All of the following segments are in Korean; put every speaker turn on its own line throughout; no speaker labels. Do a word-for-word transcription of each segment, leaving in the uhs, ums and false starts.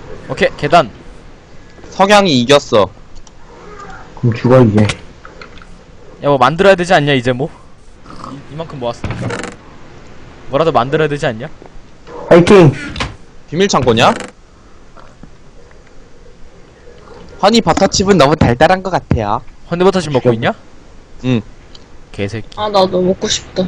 오케이 계단.
석양이 이겼어.
그럼 죽어 이제.
야 뭐 만들어야 되지 않냐 이제 뭐? 이, 이만큼 모았으니까 뭐라도 만들어야 되지 않냐?
파이팅.
비밀 창고냐? 허니 버터칩은 너무 달달한 것 같아요.
헌데버터칩 먹고 있냐?
응.
개새끼.
아 나도 먹고 싶다.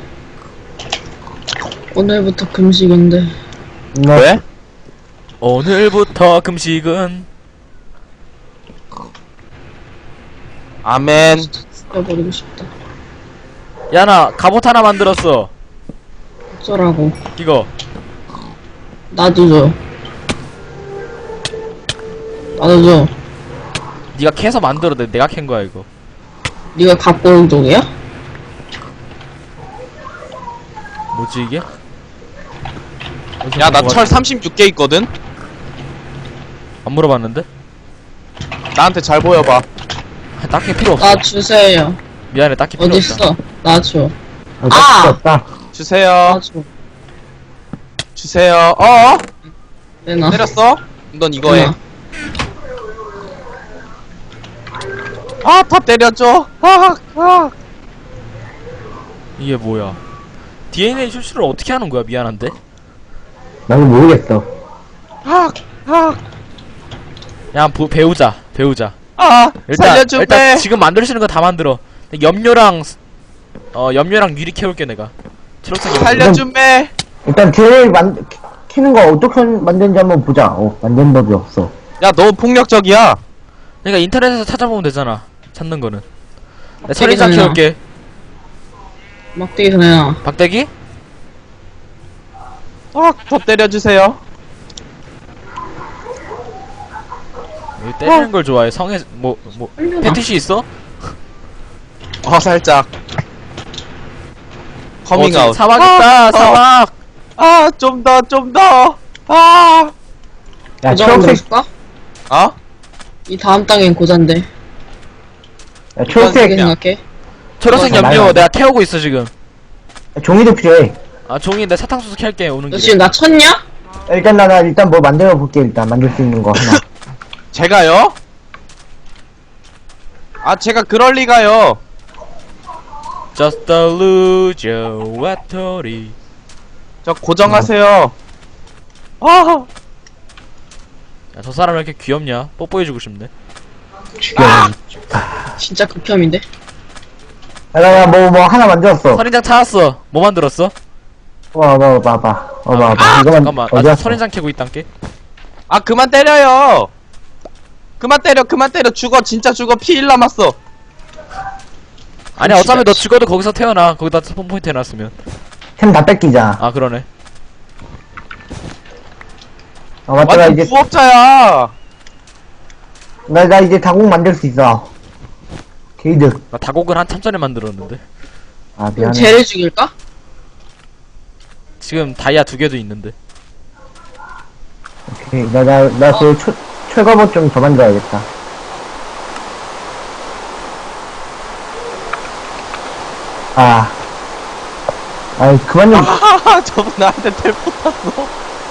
오늘부터 금식인데.
네.
왜?
오늘부터 금식은.
아멘.
죽여버리고 싶다.
야 나 갑옷 하나 만들었어.
어쩌라고.
이거
나도 줘. 나도 줘.
네가 캐서 만들어. 내가 캔 거야 이거.
네가 갖고 온 동이야?
뭐지 이게?
야, 나 철 삼십육 개 있거든?
안 물어봤는데?
나한테 잘 보여봐.
아, 딱히 필요 없어.
나 주세요.
미안해 딱히 필요 없다.
어딨어? 나 줘.
아,
아!
없다.
주세요.
나 줘.
주세요. 어?
내놔.
때렸어? 넌 이거 해.
내놔.
아, 다 때려줘. 아, 아.
이게 뭐야? 디엔에이 추출을 어떻게 하는 거야? 미안한데.
나도 모르겠어.
아, 아,
야 부, 배우자 배우자.
아.
일단
살려줘,
일단
빼.
지금 만들 수 있는 거 다 만들어. 염료랑 스- 어 염료랑 유리 캐올게 내가. 초록색 염료.
살려줘, 빼.
일단 쟤 만, 키는 거 어떻게 만드는지 한번 보자. 어, 만드는 법이 없어.
야, 너 폭력적이야.
그러니까 인터넷에서 찾아보면 되잖아. 찾는 거는. 내가
되게
처리장
좋네요.
캐올게.
막대기서 내놔.
박대기?
아, 더 때려주세요.
여기 때리는 걸 좋아해. 성에 뭐 뭐
살려놔.
패티시 있어?
어, 살짝. 커밍아웃.
어, 사막 있다.
아,
사막.
아, 좀 더, 좀 더. 아.
야,
고장
초록색,
만들어줄까?
어?
이 다음 땅엔 고잔데.
야,
어떻게
초록색,
그냥.
생각해?
초록색
어,
염료
말해봐.
내가 태우고 있어 지금.
종이도 필요해.
아 종이 내 사탕수수 캘게 오는
너
길에.
지금 나 쳤냐?
일단 나, 나 일단 뭐 만들어 볼게. 일단 만들 수 있는 거 하나.
제가요? 아, 제가 그럴 리가요.
Just a loser, 와토리.
저 고정하세요. 아.
야, 저 사람 왜 이렇게 귀엽냐? 뽀뽀해주고 싶네.
죽여.
진짜 극혐인데.
야, 나, 나 뭐, 뭐 하나 만들었어.
선인장 찾았어. 뭐 만들었어?
와, 봐, 봐, 봐. 어, 봐, 봐. 이거만,
잠깐만.
어디
아,
갔어?
선인장 캐고 있단게.
아, 그만 때려요. 그만 때려, 그만 때려. 죽어, 진짜 죽어. 피 일 남았어.
아니 어차피 너 죽어도 거기서 태어나. 거기다 스폰 포인트 해놨으면.
템 다 뺏기자.
아 그러네.
어, 맞다. 나
완전
이제,
부업자야.
나, 나 이제 다국 만들 수 있어. 게이드.
나 다곡을 한참 전에 만들었는데.
아,
그럼
미안해.
쟤를 죽일까?
지금 다이아 두 개도 있는데.
오케이. 나, 나, 나 그, 철, 철거봇 좀 더 만들어야겠다. 아. 아이, 그만 좀.
아, 저분 나한테 텔포 탔어.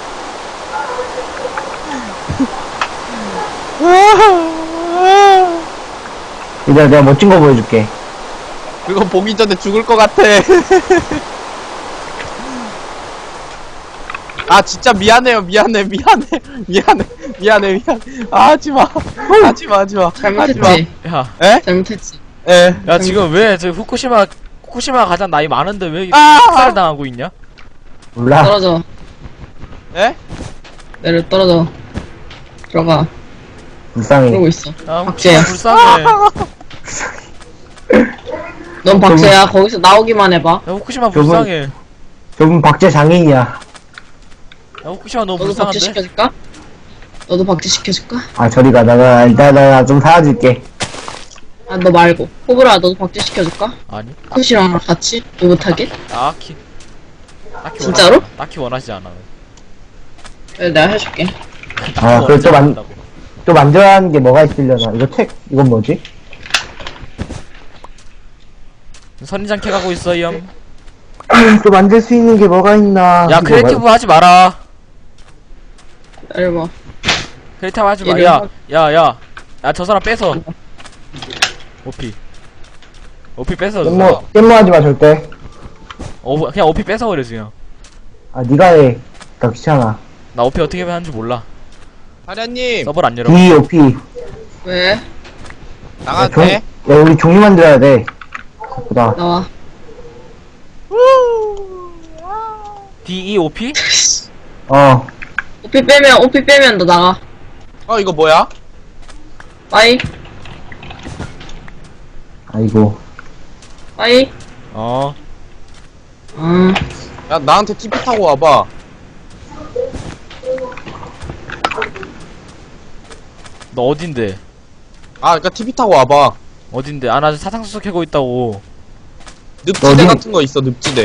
이제 내가 멋진 거 보여줄게.
그거 보기 전에 죽을 것 같아. 아, 진짜 미안해요. 미안해, 미안해, 미안해, 미안해, 미안해. 아, 하지마. 하지마, 하지마. 하지마.
잘못했지.
야,
에?
잘못했지.
에.
야 지금 왜 저 후쿠시마 후쿠시마 가장 나이 많은데 왜 이렇게
아!
학살을 당하고 있냐?
몰라.
떨어져.
에?
내려 떨어져. 들어가.
불쌍해.
그러고 있어.
아
박제야.
후쿠시마 불쌍해. 야
넌 박제야. 거기서 나오기만 해봐.
후쿠시마
저분-
불쌍해.
저분 박제 장인이야.
야 후쿠시마 너무
너도 박제
불쌍한데?
시켜줄까? 너도 박제 시켜줄까?
아, 저리가. 나가, 일단, 나, 좀 사와줄게.
아 너 말고. 호불아 너도 박제 시켜줄까?
아니
쿠시랑 같이? 오붓하게?
딱히 딱히
진짜로?
원하지, 딱히 원하지 않아.
그래 내가 해줄게.
딱히
아,
원하지
그걸 또 만-
않는다고.
또 만들어야 하는 게 뭐가 있으려나. 이거 책, 이건 뭐지?
선인장 캐가고 있어 이 형.
또 만들 수 있는 게 뭐가 있나.
야
이거
크리에이티브 하지 마라.
기다려봐.
크리탑 하지 마.
얘를
야,
하-
야, 야. 야, 저 사람 뺏어. 오피. 오피 뺏어, 저 사람.
깻모, 깻모 하지 마, 절대.
오, 그냥 오피 뺏어버려, 그냥.
아, 니가 해. 나 귀찮아.
나 오피 어떻게 하는지 몰라.
사련님
서버를 안 열어.
D, O, P.
왜?
나가도
종,
돼?
야, 우리 종이 만들어야 돼. 보다.
나와.
D, E, O, P?
어.
오피 빼면, 오피 빼면 너 나가.
어 이거 뭐야?
빠이,
아이고.
빠이.
어.
음,
야 나한테 티피 타고 와봐.
너 어딘데?
아 그니까 티피 타고 와봐.
어딘데? 아, 나 사상수수 캐고 있다고.
늪지대
어디?
같은 거 있어 늪지대.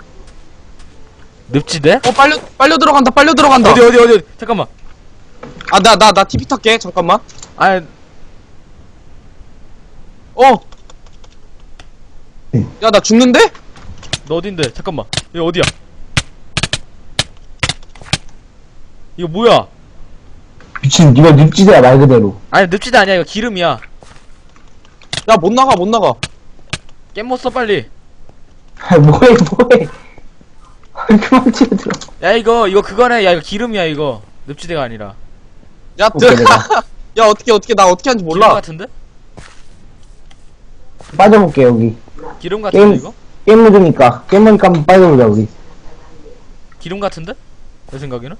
늪지대?
어 빨려 빨려 들어간다 빨려 들어간다.
어디, 어디, 어디, 어디? 잠깐만.
아 나 나 나 티피 탈게 잠깐만.
아,
어. 야 나 죽는데?
너 어딘데? 잠깐만. 여기 어디야? 이거 뭐야?
미친, 니가 늪지대야, 말 그대로.
아니, 늪지대 아니야. 이거 기름이야.
야 못 나가 못 나가.
깻못 써, 빨리.
아, 뭐해, 뭐해. 아, 그만 치고 들어.
야, 이거, 이거 그거네. 야, 이거 기름이야, 이거. 늪지대가 아니라.
야
오케이,
들.
내가.
야 어떻게 어떻게 나 어떻게 하는지
기름
몰라.
같은데?
빠져볼게, 여기.
기름 같은데,
게임-
이거?
깻 묻으니까. 깻 묻으니까 한번 빠져보자, 우리.
기름 같은데? 내 생각에는?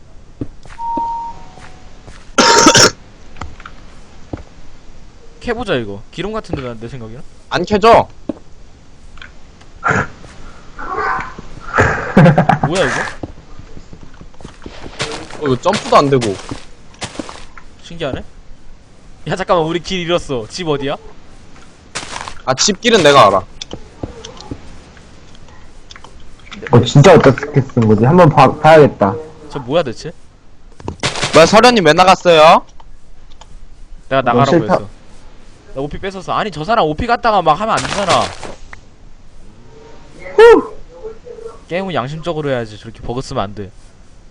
캐보자, 이거. 기름 같은데, 나- 내 생각에는?
안 켜져.
뭐야, 이거?
어 이거 점프도 안 되고.
신기하네? 야, 잠깐만, 우리 길 잃었어. 집 어디야?
아 집길은 내가 알아.
어, 진짜 어떻게 쓴 거지? 한번 봐, 봐야겠다.
저 뭐야, 대체?
뭐야 서련님 왜 나갔어요?
내가 나가라고
싫다.
했어. 나 오피 뺏었어. 아니, 저 사람 오피 갔다가 막 하면 안 되잖아. 게임은 양심적으로 해야지. 저렇게 버그 쓰면 안 돼.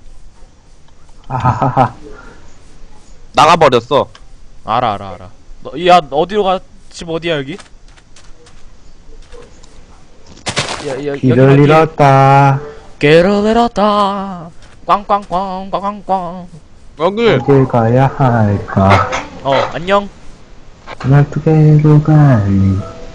아하하하.
나가버렸어.
알아, 알아, 알아. 너, 야, 어디로 가? 집 어디야, 여기? 야, 야, 여기,
길을
여기.
잃었다.
길을 잃었다. 꽝꽝꽝, 꽝꽝꽝.
여기.
어딜 가야 할까?
어, 안녕.
말투게로 갈리.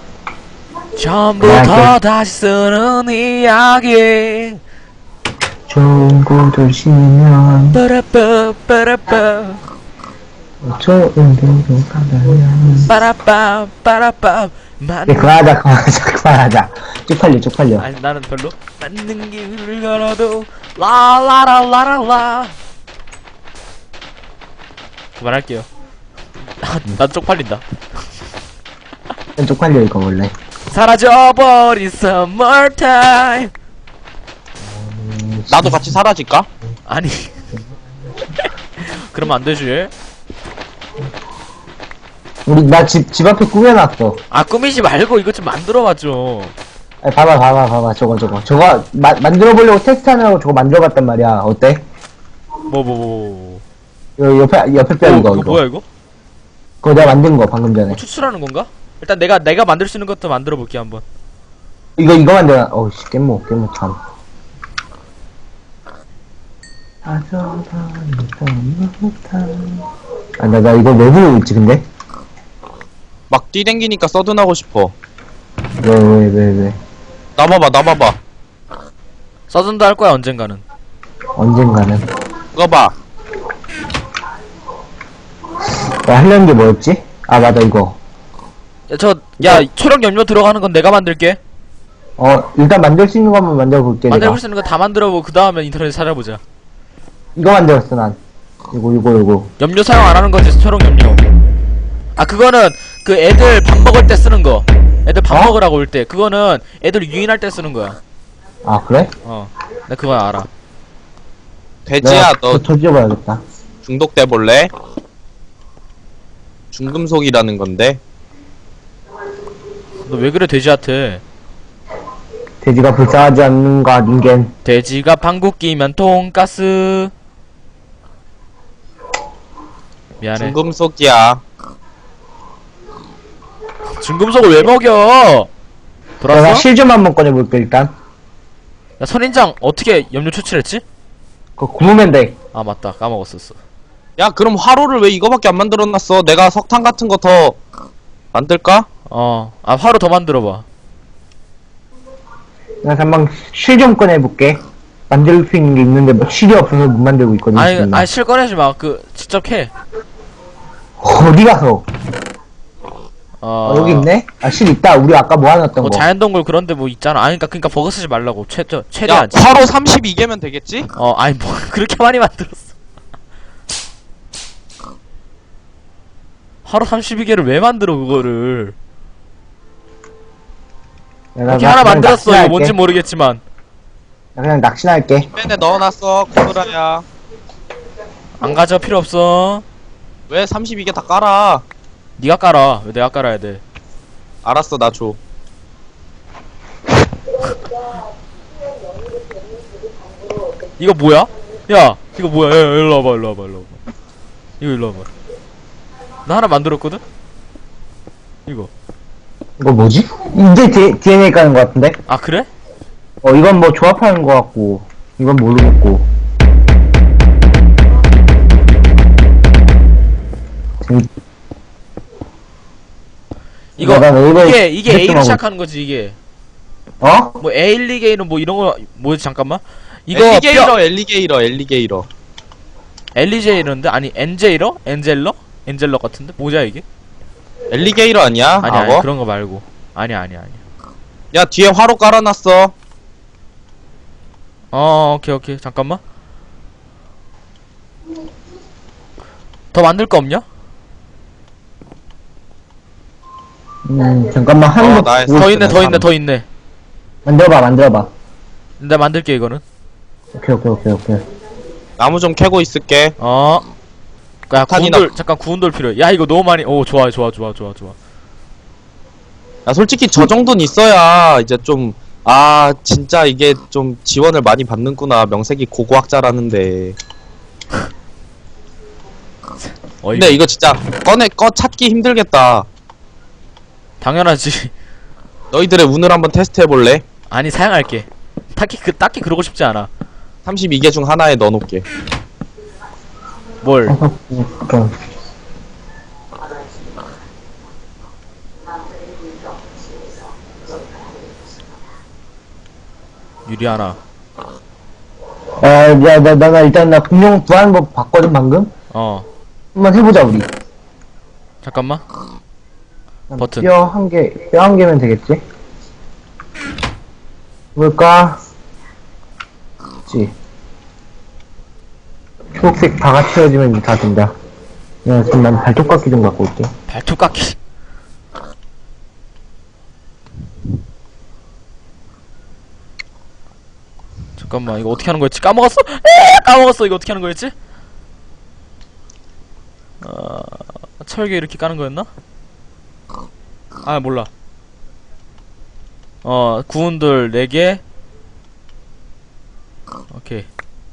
처음부터
야,
다시 쓰는 이야기.
좋은 곳을 쉬면
빠라빠, 빠라빠.
좋은 데로 가면.
빠라빠, 빠라빠. 만.
네, 그만하자, 그만하자, 그만하자. 쪽팔려, 쪽팔려.
아니, 나는 별로. 맞는 길을 걸어도, 라라라라라라. 그만할게요. 나, 나 쪽팔린다.
쪽팔려, 이거 원래.
사라져버린 summertime.
나도 같이 사라질까?
아니. 그러면 안 되지.
우리, 나 집, 집 앞에 꾸며놨어.
아, 꾸미지 말고 이것 좀 만들어봐, 좀.
아, 봐봐, 봐봐, 봐봐. 저거, 저거. 저거, 마, 만들어보려고 테스트 하느라고 저거 만들어봤단 말이야. 어때?
뭐, 뭐, 뭐, 뭐.
이거 옆에, 옆에 뼈
어,
이거,
그거
이거.
뭐야, 이거?
그거 내가 만든 거, 방금 전에.
뭐 추출하는 건가? 일단 내가, 내가 만들 수 있는 것도 만들어 볼게, 한번.
이거, 이거 만들어. 어우, 씨, 깻모, 깻모 참. 아, 나, 나 이거 왜 부르고 있지, 근데?
막 뛰댕기니까 서든하고 싶어.
왜, 왜, 왜, 왜.
나봐봐 나봐봐.
서든도 할 거야, 언젠가는.
언젠가는.
이거 봐.
나 하려는 게 뭐였지? 아, 맞아, 이거.
야, 저, 야, 초록 염료 들어가는 건 내가 만들게.
어, 일단 만들 수 있는 거 한번 만들어볼게, 내가.
만들고 수 있는 거 다 만들어보고, 그 다음에 인터넷에 찾아보자.
이거 만들었어, 난. 이거, 이거, 이거.
염료 사용 안 하는 거지, 초록 염료. 아, 그거는, 그 애들 밥 먹을 때 쓰는 거. 애들 밥
어?
먹으라고 올 때. 그거는 애들 유인할 때 쓰는 거야.
아, 그래?
어. 나 그건 알아.
돼지야
내가
너
더 터져봐야겠다.
중독돼 볼래? 중금속이라는 건데.
너 왜 그래, 돼지한테.
돼지가 불쌍하지 않는가, 닌겐.
돼지가 방귀 끼면 돈가스. 미안해.
중금속이야.
중금속을 왜 먹여?
내가
돌았어?
실 좀 한번 꺼내볼게, 일단.
야, 선인장 어떻게 염료 추출했지?
그거 구우면 돼.
아, 맞다. 까먹었었어.
야, 그럼 화로를 왜 이거밖에 안 만들어놨어? 내가 석탄 같은 거 더 만들까?
어. 아, 화로 더 만들어봐.
내가 한번 실 좀 꺼내볼게. 만들 수 있는 게 있는데, 뭐, 실이 없어서 못 만들고 있거든.
아니,
지금.
아니, 실 꺼내지 마. 그, 직접 캐.
어디 가서?
어.
어, 여기 있네? 아, 실 있다. 우리 아까 모아놨던
뭐
거.
자연동굴 그런데 뭐 있잖아. 아니, 그니까, 그니까 버그 쓰지 말라고. 최, 저,
야,
최대한.
화로 삼십이 개면 되겠지?
어, 아니, 뭐, 그렇게 많이 만들었어. 하루 삼십이 개를 왜 만들어, 그거를.
내가
이렇게
나
하나
그냥
만들었어. 이거
낚시나
뭔지
할게.
모르겠지만.
나 그냥 낚시나 할게.
펜에 넣어놨어, 코브라야.
안 가져, 필요 없어.
왜 삼십이 개 다 깔아?
니가 깔아. 왜 내가 깔아야 돼?
알았어, 나 줘.
이거 뭐야? 야, 이거 뭐야? 야, 야, 일로 와봐, 일로 와봐, 일로 와봐. 이거 일로 와봐. 나 하나 만들었거든? 이거.
이거 뭐지? 이제 디, 디엔에이 까는 거 같은데?
아, 그래?
어, 이건 뭐 조합하는 거 같고, 이건 모르겠고. 음,
이거,
나 네이버에
이게, 이게 A로
검색도
시작하는 거지, 이게.
어?
뭐, 에일리게이는 뭐 이런 거, 뭐지, 잠깐만. 이거,
엘리게이러,
뼈,
엘리게이러, 엘리게이러.
엘리제이러인데? 아니, 엔제이러? 엔젤러? 엔젤러 같은데? 뭐야, 이게?
엘리게이러 아니야?
아니, 아니,
악어?
그런 거 말고. 아니, 아니, 아니.
야, 뒤에 화로 깔아놨어.
어, 오케이, 오케이. 잠깐만. 더 만들 거 없냐?
음, 잠깐만, 하는
어,
거.
나
보고
더
있어,
있네,
나
더 있네,
잠깐만.
더 있네.
만들어봐, 만들어봐.
내가 만들게, 이거는.
오케이, 오케이, 오케이, 오케이.
나무 좀 캐고 있을게.
어. 야, 구운
탄이나-
돌, 잠깐 구운 돌 필요해. 야, 이거 너무 많이, 오, 좋아, 좋아, 좋아, 좋아, 좋아.
야, 솔직히 저 정도는 있어야 이제 좀, 아, 진짜 이게 좀 지원을 많이 받는구나. 명색이 고고학자라는데.
어이,
근데 이거 진짜 꺼내, 꺼 찾기 힘들겠다.
당연하지.
너희들의 운을 한번 테스트 해볼래?
아니, 사양할게. 딱히, 그, 딱히 그러고 싶지 않아.
삼십이 개 중 하나에 넣어놓을게.
뭘.
어, 좀.
유리 하나.
아, 야, 나, 나, 나 일단 나 공룡 구하는 법 봤거든, 방금?
어.
한번 해보자, 우리.
잠깐만. 버튼.
뼈 한 개, 뼈 한 개면 되겠지? 뭘까? 그치. 초록색 바가 채워지면 다 된다. 야, 그럼 난 발톱깎이 좀 갖고 올게.
발톱 깎기. 잠깐만, 이거 어떻게 하는 거였지? 까먹었어? 에 까먹었어. 이거 어떻게 하는 거였지? 어, 철개 이렇게 까는 거였나? 아, 몰라. 어, 구운 돌 네 개. 오케이.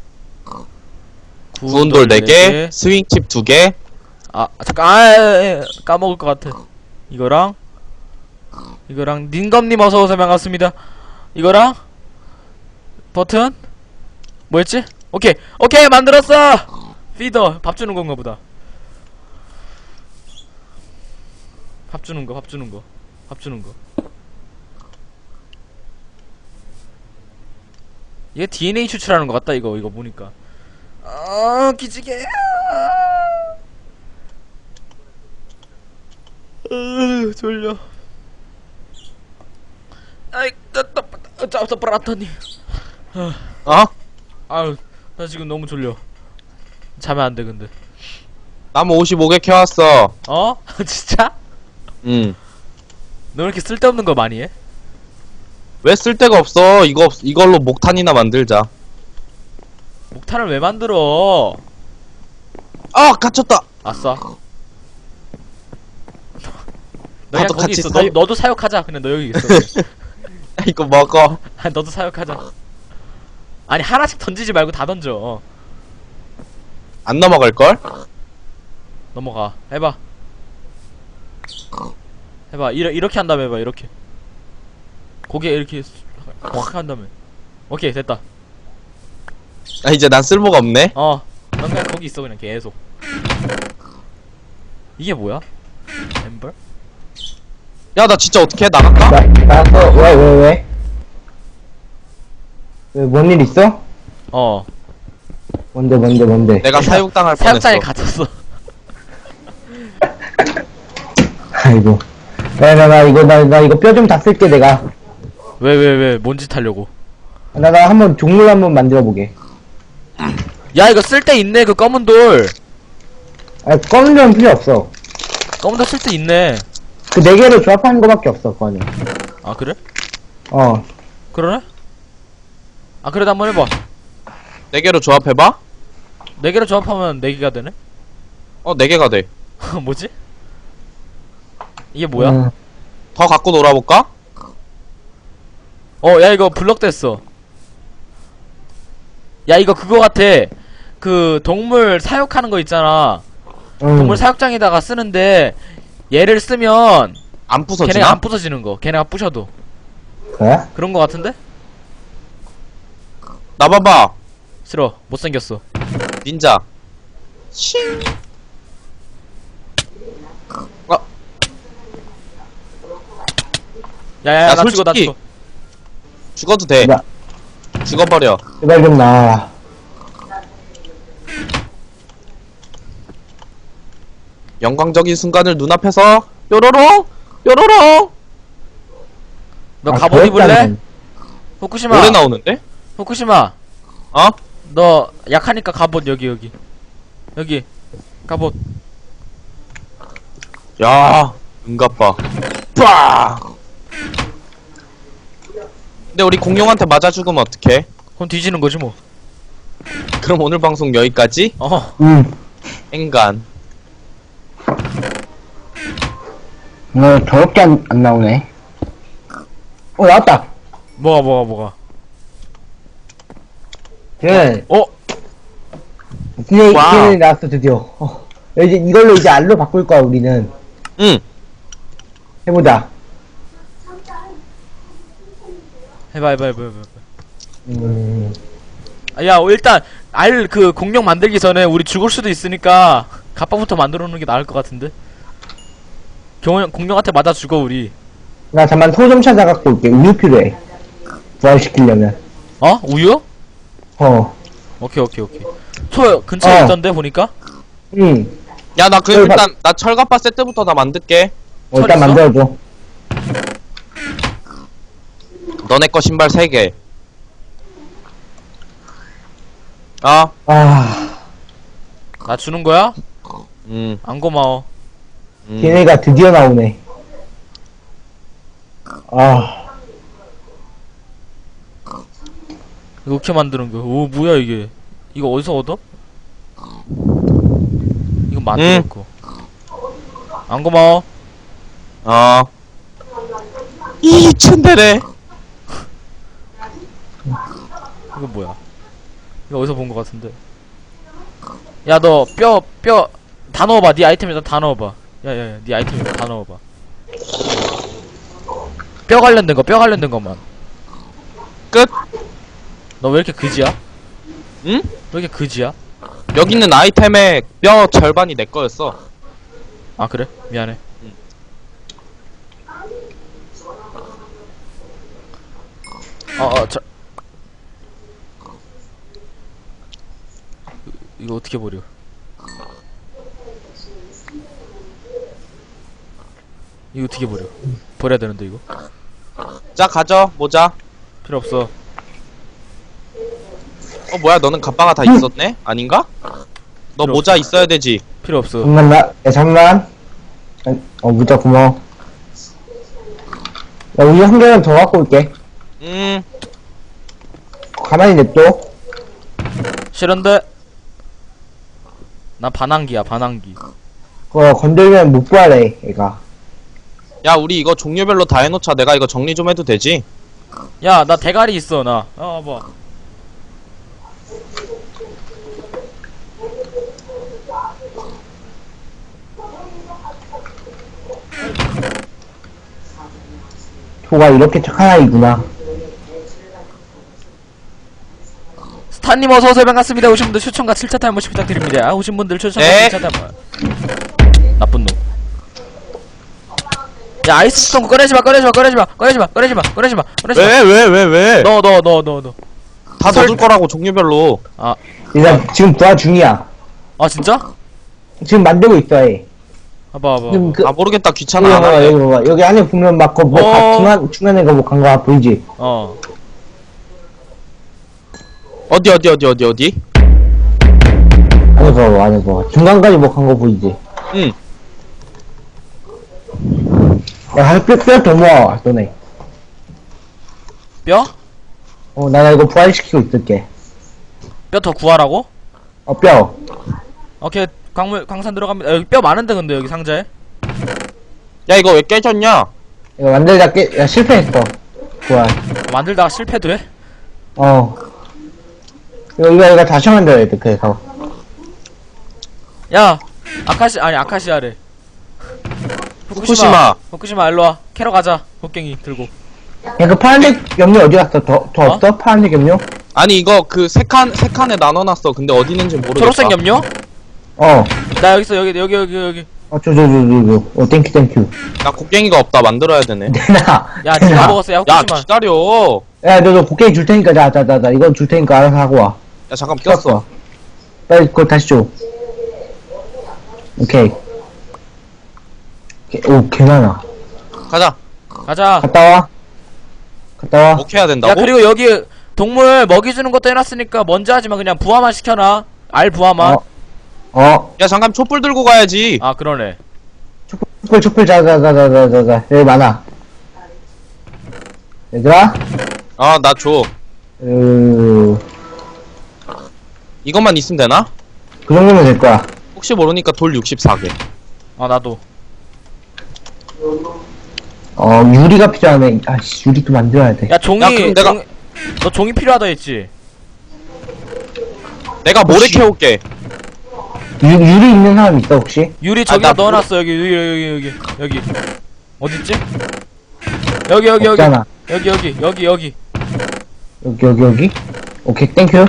구운 돌 네 개, 스윙칩 두 개.
아, 잠깐, 아, 에, 에, 까먹을 것 같아. 이거랑, 이거랑, 닌검님 어서오세요. 반갑습니다. 이거랑, 버튼? 뭐였지? 오케이, 오케이, 만들었어! 피더, 밥 주는 건가 보다. 밥 주는 거, 밥 주는 거, 밥 주는 거. 이게 디엔에이 추출하는 것 같다, 이거, 이거 보니까. 아, 기지개. 으, 졸려. 아이, 따따, 짜따, 브라타니.
어?
아유, 나 지금 너무 졸려. 자면 안 돼, 근데.
나무 오십오 개 캐왔어.
어? 진짜?
응.
너 왜 이렇게 쓸데없는 거 많이 해?
왜 쓸데가 없어? 이거, 없- 이걸로 목탄이나 만들자.
목탄을 왜 만들어?
아, 갇혔다!
아싸. 너야
나도
거기
같이
있어.
사육-
너, 너도 사육하자. 그냥 너 여기 있어.
이거 먹어.
아, 너도 사육하자. 아니, 하나씩 던지지 말고 다 던져.
안 넘어갈걸?
넘어가. 해봐. 해봐. 이러, 이렇게 한 다음에 해봐. 이렇게. 고개 이렇게 확 한 다음에. 오케이 됐다.
아 이제 난 쓸모가 없네.
어. 넌 그냥 거기 있어 그냥 계속. 이게 뭐야? 엠버?
야 나 진짜 어떻게 해? 나갈까?
나, 나왔어. 왜, 왜, 왜? 왜, 뭔 일 있어?
어.
뭔데, 뭔데, 뭔데?
내가 사육당할 뻔했어.
사육장에 갇혔어.
아이고. 야, 나, 나, 이거, 나, 나 이거 뼈 좀 다 쓸게, 내가.
왜 왜 왜 뭔 짓 하려고?
나, 나 한번 종물 한번 만들어 보게.
야 이거 쓸 데 있네 그 검은 돌.
아, 검은 점은 필요 없어.
검은 돌 쓸 데 있네.
그 네 개로 조합하는 거밖에 없어, 그거는.
아 그래?
어.
그러네? 아 그래도 한번 해봐.
네 개로 조합해봐.
네 개로 조합하면 네 개가 되네?
어 네 개가 돼.
뭐지? 이게 뭐야?
음.
더 갖고 놀아볼까?
어, 야, 이거 블럭 됐어. 야, 이거 그거 같아. 그, 동물 사육하는 거 있잖아.
음.
동물 사육장에다가 쓰는데, 얘를 쓰면,
안 부서지나?
걔네가 안 부서지는 거. 걔네가 부셔도.
그래?
그런 거 같은데?
나 봐봐.
싫어. 못생겼어.
닌자. 싱. 어,
야, 야,
야,
야, 나 죽어, 나
솔직히-
죽어.
죽어도 돼.
나,
죽어버려.
제발 좀 나.
영광적인 순간을 눈앞에서 뾰로롱 뾰로롱.
너
아,
갑옷
더럽다는
입을래?
건.
후쿠시마.
오래 나오는데?
후쿠시마.
어?
너 약하니까 갑옷 여기, 여기. 여기. 갑옷.
야, 은갑봐. 빠. 근데 우리 공룡한테 맞아 죽으면 어떡해?
그럼 뒤지는 거지, 뭐.
그럼 오늘 방송 여기까지?
어.
응.
앵간.
너 더럽게 안, 안 나오네. 어, 나왔다.
뭐가, 뭐가, 뭐가.
예.
어?
드디어,
와우.
드디어 나왔어, 드디어. 어. 이제 이걸로 이제 알로 바꿀 거야, 우리는.
응.
해보자.
해봐, 해봐, 해봐, 해봐.
음.
아, 야, 일단 알 그 공룡 만들기 전에 우리 죽을 수도 있으니까 갑바부터 만들어 놓는 게 나을 것 같은데. 경호 공룡한테 맞아 죽어 우리.
나 잠만 소 좀 찾아갖고 올게. 우유 필요해. 부활시키려면.
어? 우유?
어.
오케이 오케이 오케이. 소 근처에
어.
있던데 보니까.
응.
야, 나 그
철갑-
일단 나 철갑바 세트부터 다 만들게.
어, 일단
있어?
만들어줘.
너네 거 신발 세 개. 아,
아,
나 주는 거야?
음,
안 고마워.
음.
걔네가 드디어 나오네. 아,
이거 어떻게 만드는 거야? 오 뭐야 이게? 이거 어디서 얻어? 이거 만들었고. 안 고마워.
어. 이 츤데레.
이거 뭐야? 이거 어디서 본 거 같은데? 야 너 뼈 뼈 다 넣어봐. 네 아이템에다 다 넣어봐. 야야야, 네 아이템에다 다 넣어봐. 뼈 관련된 거, 뼈 관련된 것만.
끝.
너 왜 이렇게 그지야?
응?
왜 이렇게 그지야?
여기 있는 아이템의 뼈 절반이 내 거였어.
아 그래? 미안해. 어어 저 이거 어떻게 버려? 이거 어떻게 버려? 버려야 되는데 이거?
자, 가져. 모자.
필요 없어.
어, 뭐야? 너는 갑바가 다 있었네? 아닌가? 너
필요
모자 있어야 되지.
필요 없어.
잠만, 나, 야, 잠만. 어, 무자 고마워. 야, 우유 한 개만 더 갖고 올게.
음,
가만히 냅둬.
싫은데? 난 반항기야 반항기.
그거 건들면 못 부활해, 얘가.
야, 우리 이거 종류별로 다 해놓자. 내가 이거 정리 좀 해도 되지?
야 나 대가리 있어 나. 어 뭐.
소가 이렇게 착한 아이구나.
스타님 어서오세요. 반갑습니다. 오신 분들 추천과 칠 차 타임 한 번씩 부탁드립니다. 오신 분들 추천과
네.
칠 차 타임 한 번. 나쁜 놈. 야, 아이스 스톤 꺼내지마, 꺼내지마, 꺼내지마, 꺼내지마, 꺼내지마, 꺼내지마, 꺼내지마.
왜 왜 왜 왜?
너, 너, 너, 너, 너.
다 넣을 거라고 종류별로.
아,
일단 지금 부하 중이야.
아, 진짜?
지금 만들고 있어, 얘.
봐봐, 봐봐.
지금 그,
아 모르겠다
여기
귀찮아 안
봐봐,
할래.
여기 봐봐. 여기 안에 보면 막, 그, 뭐,
어.
가- 중간, 중간에 가 뭐, 간 거 보이지?
어.
어디 어디 어디 어디 어디?
안에 봐봐, 안에 봐봐. 중간까지 뭐, 간 거 보이지?
응.
야, 한 뼈, 뼈더 모아, 너네.
뼈?
어, 나 이거 부활시키고 있을게.
뼈 더 구하라고?
어, 뼈.
오케이, 광물, 광산 들어갑니다. 여기 뼈 많은데, 근데, 여기 상자에?
야 이거 왜 깨졌냐?
이거 만들다 깨, 야, 실패했어. 부활.
만들다가 실패도 해?
어. 이거, 이거, 이거 다시 만들어야 돼, 그래서.
야, 아카시, 아니, 아카시아래.
후쿠시마.
후쿠시마, 일로와. 캐러 가자. 곡괭이 들고.
야, 그 파란색 염료 어디 갔어? 더, 더
어?
없어? 파란색 염료?
아니 이거 그 세 칸 세 칸에 나눠놨어. 근데 어디 있는지 모르겠다.
초록색 염료?
어.
나 여기 있어, 여기, 여기, 여기, 여기.
어, 저, 저, 저, 저, 저. 어, 땡큐, 땡큐.
나 곡괭이가 없다. 만들어야 되네.
내놔.
야, 니가
내놔.
먹었어, 야,
야
후쿠시마.
기다려.
야, 너, 너 곡괭이 줄 테니까, 자, 자, 자, 자. 이건 줄 테니까 알아서 하고 와.
야 잠깐 꼈어.
빨리 그거 다시 줘. 오케이. 오케이. 오, 개 많아.
가자.
가자.
갔다 와. 갔다 와.
뭐 해야 된다고?
야, 그리고 여기 동물 먹이 주는 것도 해놨으니까 먼저 하지마. 그냥 부화만 시켜놔. 알 부화만.
어. 어,
야 잠깐 촛불 들고 가야지.
아, 그러네.
촛불, 촛불, 자, 자, 자, 자, 자, 자, 자. 여기 많아. 얘들아?
아 나 줘.
으,
이것만 있으면 되나?
그 정도면 될 거야.
혹시 모르니까 돌 육십사 개.
아, 나도.
어, 유리가 필요하네. 아씨, 유리도 만들어야 돼.
야, 종이.
야, 그럼 내가-
종이- 너 종이 필요하다 했지?
내가 모래
혹시-
캐올게.
유, 유리 있는 사람 있어, 혹시?
유리
아,
저기다
나
넣어놨어. 여기, 여기, 여기, 여기, 여기. 어딨지? 여기, 여기, 여기.
없잖아.
여기, 여기, 여기, 여기.
여기, 여기, 여기. 오케이, 땡큐.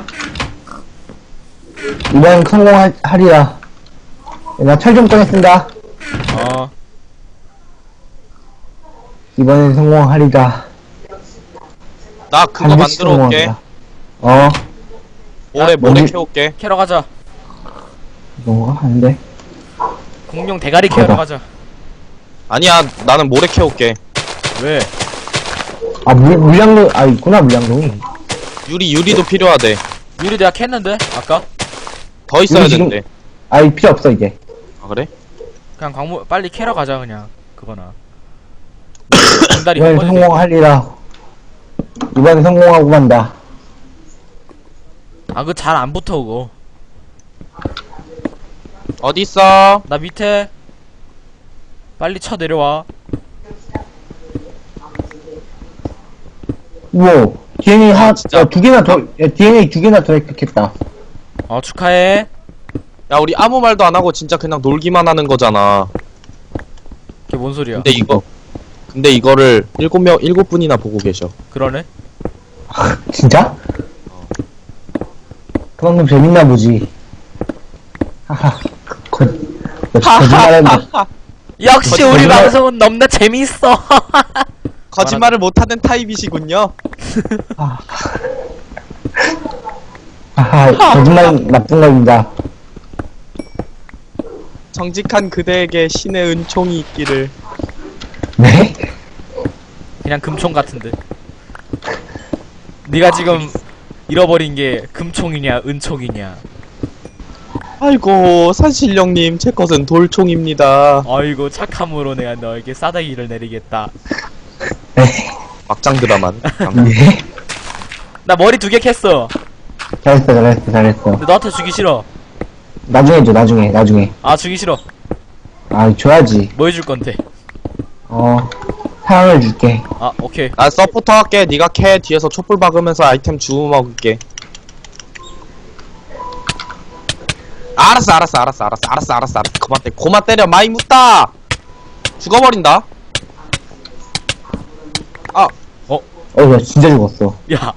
이번 성공하리라. 나 철 좀 꺼냈습니다.
어.
이번엔 성공하리라.
나 그거
반드시
만들어 올게.
성공하리라. 어,
모래
야,
모래
뭔지-
캐올게.
캐러 가자.
이건가? 아닌데?
공룡 대가리 캐러
가자.
가자.
아니야 나는 모래 캐올게.
왜?
아, 물, 물량도, 아, 있구나, 물량동이.
유리 유리도 필요하대.
유리 내가 캤는데? 아까?
더 있어야
유리 지금-
되는데.
아, 이 필요 없어, 이제.
아 그래?
그냥 광물, 빨리 캐러 가자, 그냥. 그거나. 공다리
이번엔
한 번에
성공하리라. 이번엔 성공하고 만다.
아, 그거 잘 안 붙어, 그거.
어디 있어?
나 밑에. 빨리 쳐 내려와.
우와, 디엔에이
아,
하나,
진짜.
야, 두 개나 더, 야, 디엔에이 두 개나 더 획득했다.
어, 축하해.
야 우리 아무 말도 안 하고 진짜 그냥 놀기만 하는 거잖아.
그게 뭔 소리야?
근데 이거 근데 이거를 일곱 명 일곱 분이나 보고 계셔.
그러네?
진짜? 그만큼 재밌나 보지. 하하, 거, 거, 거짓말했네.
역시 우리
거짓말-
방송은 너무나 재밌어.
거짓말을 못하는 타입이시군요.
아. 하하, 거짓말 나쁜 겁니다.
정직한 그대에게 신의 은총이 있기를.
네?
그냥 금총 같은데. 네가 지금 잃어버린 게 금총이냐 은총이냐.
아이고 산신령님 제 것은 돌총입니다.
아이고 착함으로 내가 너에게 싸다기를 내리겠다.
네?
막장 드라마는.
네?
나 머리 두 개 캤어.
잘했어, 잘했어, 잘했어.
근데 너한테 주기 싫어.
나중에 줘, 나중에, 나중에.
아, 주기 싫어.
아, 줘야지.
뭐 해줄 건데?
어, 사랑을 줄게.
아, 오케이.
나 서포터 할게. 네가 캐 뒤에서 촛불 박으면서 아이템 주워 먹을게. 알았어 알았어 알았어 알았어 알았어 알았어 알았어. 그만 때 고만 때려. 많이 묻다. 죽어버린다. 아
어, 나 진짜 죽었어.
야,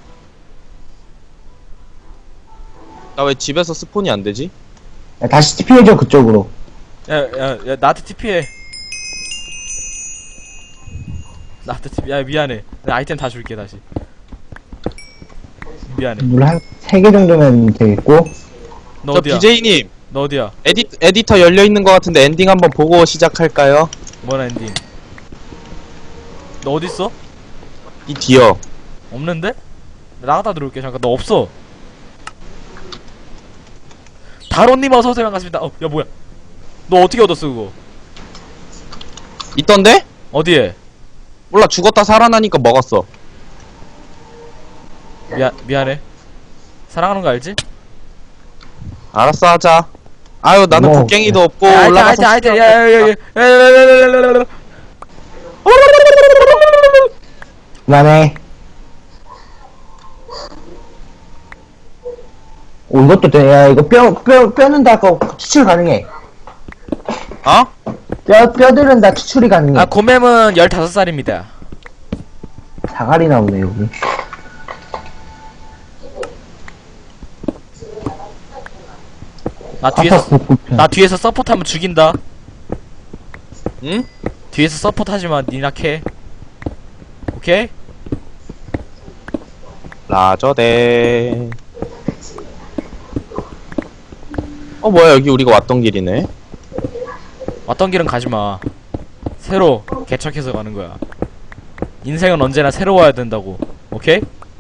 나 왜 집에서 스폰이 안 되지?
야, 다시 티피해줘, 그쪽으로.
야, 야, 야, 나한테 티피해. 나한테 티피, 야, 미안해. 나 아이템 다 줄게, 다시. 미안해.
물 한 세 개 정도면 되겠고.
너
저
어디야?
비제이님
너 어디야?
에디, 에디터 열려있는 것 같은데 엔딩 한번 보고 시작할까요?
뭔 엔딩? 너 어딨어?
이 뒤요.
없는데? 나가다 들어올게. 잠깐, 너 없어. 다론님 어서오세요. 반갑습니다. 어, 야, 뭐야. 너 어떻게 얻었어, 그거?
있던데?
어디에?
몰라, 죽었다 살아나니까 먹었어.
미안, 미안해. 사랑하는 거 알지?
알았어, 하자. 아유, 나는
뭐,
곡괭이도 없고
야,
올라가서
아이템, 아이템, 야, 야, 야, 야, 야, 야, 야, 야, 야, 야.
그만해. 오, 이것도 돼. 야, 이거 뼈, 뼈, 뼈는 다 그 추출 가능해.
어?
뼈, 뼈들은 다 추출이 가능해.
아, 고맴은 열다섯 살입니다.
자갈이 나오네, 여기.
나 뒤에서,
아파, 붓붓편.
나 뒤에서 서포트 하면 죽인다.
응?
뒤에서 서포트 하지마, 니나 캐. 오케이?
라저대. 어, 뭐야, 여기 우리가 왔던 길이네.
왔던 길은 가지마. 새로 개척해서 가는 거야. 인생은 언제나 새로워야 된다고. 오케이?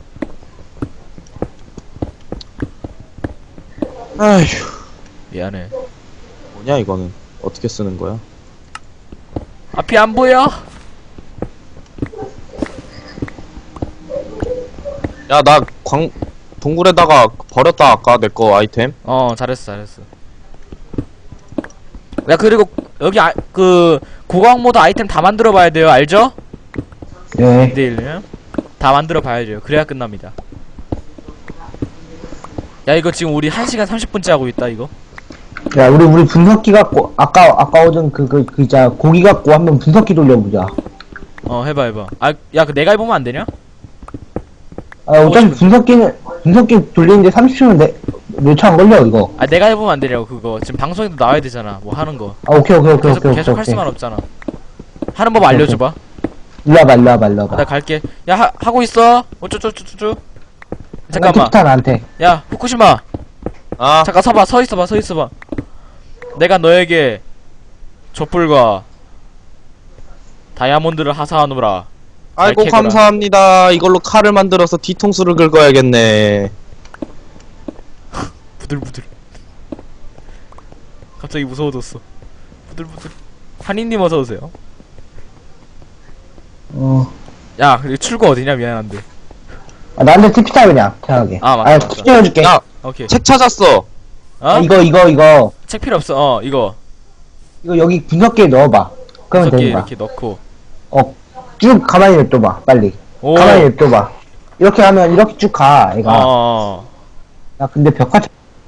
아휴,
미안해.
뭐냐, 이거는. 어떻게 쓰는 거야?
앞이 안 보여?
야, 나 광, 동굴에다가 버렸다, 아까 내 거 아이템.
어, 잘했어, 잘했어. 야, 그리고 여기 아, 그 고강 모드 아이템 다 만들어 봐야 돼요. 알죠?
네.
내일은 다 만들어 봐야죠. 그래야 끝납니다. 야, 이거 지금 우리 한 시간 삼십 분째 하고 있다, 이거.
야, 우리, 우리 분석기 갖고, 아까, 아까 얻은 그, 그, 그, 자, 고기 갖고 한번 분석기 돌려보자.
어, 해봐, 해봐. 아, 야, 그 내가 해보면 안 되냐?
아, 어차피
싶은데.
분석기는, 분석기 돌리는데 삼십 초면 내, 몇 초 안 걸려, 이거.
아, 내가 해보면 안 되냐고, 그거. 지금 방송에도 나와야 되잖아, 뭐 하는 거.
아, 오케이, 오케이, 오케이,
계속,
오케이,
계속
오케이.
할 수만 없잖아. 하는 법 알려줘봐.
일로 와봐, 일로 와봐, 일로
아,
와봐.
나 갈게. 야, 하, 하고 있어. 어쩌쩌쩌쩌. 잠깐만.
잠깐만. 안 돼.
야, 후쿠시마.
아,
잠깐 서봐. 서 있어봐. 서 있어봐. 내가 너에게 촛불과 다이아몬드를 하사하노라.
아이고,
캐거라.
감사합니다. 이걸로 칼을 만들어서 뒤통수를 긁어야겠네.
부들부들. 갑자기 무서워졌어. 부들부들. 한인님 어서 오세요.
어.
야, 그리고 출구 어디냐? 미안한데.
아, 나한테 티피 타, 그냥. 편하게.
아, 맞다,
아,
맞다.
티피 해줄게.
야,
오케이.
책 찾았어.
어?
아, 이거, 이거, 이거.
책 필요 없어. 어, 이거.
이거 여기 분석기에 넣어봐. 그러면
저기
되는 거야.
이렇게 넣고.
어, 쭉 가만히 냅둬봐, 빨리.
오.
가만히 냅둬봐. 이렇게 하면 이렇게 쭉 가,
어,
얘가.
어, 어.
야, 근데 벽화.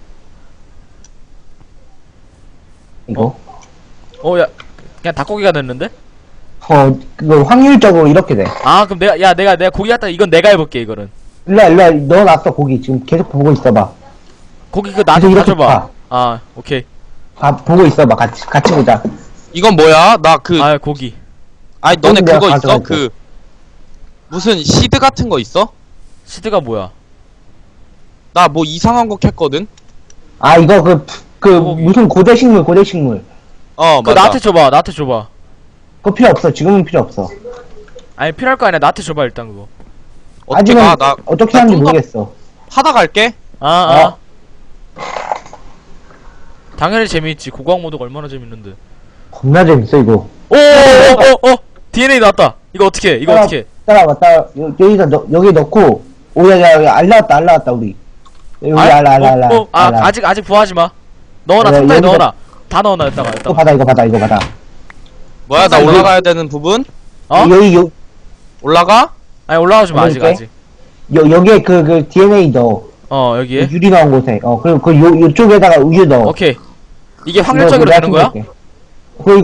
이거?
어, 야. 그냥 닭고기가 됐는데?
어, 그거 확률적으로 이렇게 돼.
아, 그럼 내가, 야, 내가, 내가 고기 갖다, 이건 내가 해볼게, 이거는.
일로와, 일로와, 넣어놨어, 고기. 지금 계속 보고 있어봐.
고기 그 나한테
계속 이렇게
가져봐.
봐.
아, 오케이.
아, 보고 있어봐, 같이, 같이 보자.
이건 뭐야? 나 그,
아, 고기.
아니, 너네
내가
그거 있어?
가져갈게.
그, 무슨 시드 같은 거 있어?
시드가 뭐야?
나 뭐 이상한 거 캤거든?
아, 이거 그, 그,
고기.
무슨 고대식물, 고대식물.
어,
그거
맞아.
나한테 줘봐, 나한테 줘봐.
그거 필요 없어, 지금은 필요 없어.
아니, 필요할 거 아니야. 나한테 줘봐, 일단 그거.
어떻게
아직은
가? 나
어떻게
나
하는지
좀 더-
모르겠어.
하다 갈게.
아, 아.
어.
당연히 재미있지. 고고학 모드가 얼마나 재밌는데.
겁나 재밌어, 이거.
오, 오, 오, 오, 디엔에이 나왔다. 이거 어떻게 해? 이거
따라-
어떻게 해?
따라와봐, 따라, 여, 여기다, 넣, 여기 넣고, 오, 야, 야, 야, 알 나왔다, 알 나왔다, 우리. 여기 알, 알, 알, 알, 알.
어, 어, 아,
알, 알.
아직, 아직 부화하지 마. 넣어놔,
야,
상자에
여기다-
넣어놔. 다 넣어놔, 이따가,
이거
이따가.
받아, 이거 받아, 이거 받아.
뭐야, 나
이거-
올라가야 되는 부분?
어?
여기, 여,
올라가?
아니, 올라가지 마, 아직,
올려줄게.
아직.
여, 여기에 그, 그, 디엔에이 넣어.
어, 여기에.
유리 나온 곳에. 어, 그리고 그, 요, 요쪽에다가 우유 넣어.
오케이. 이게
이거
확률적으로
내가
되는 거야?
챙길게. 그거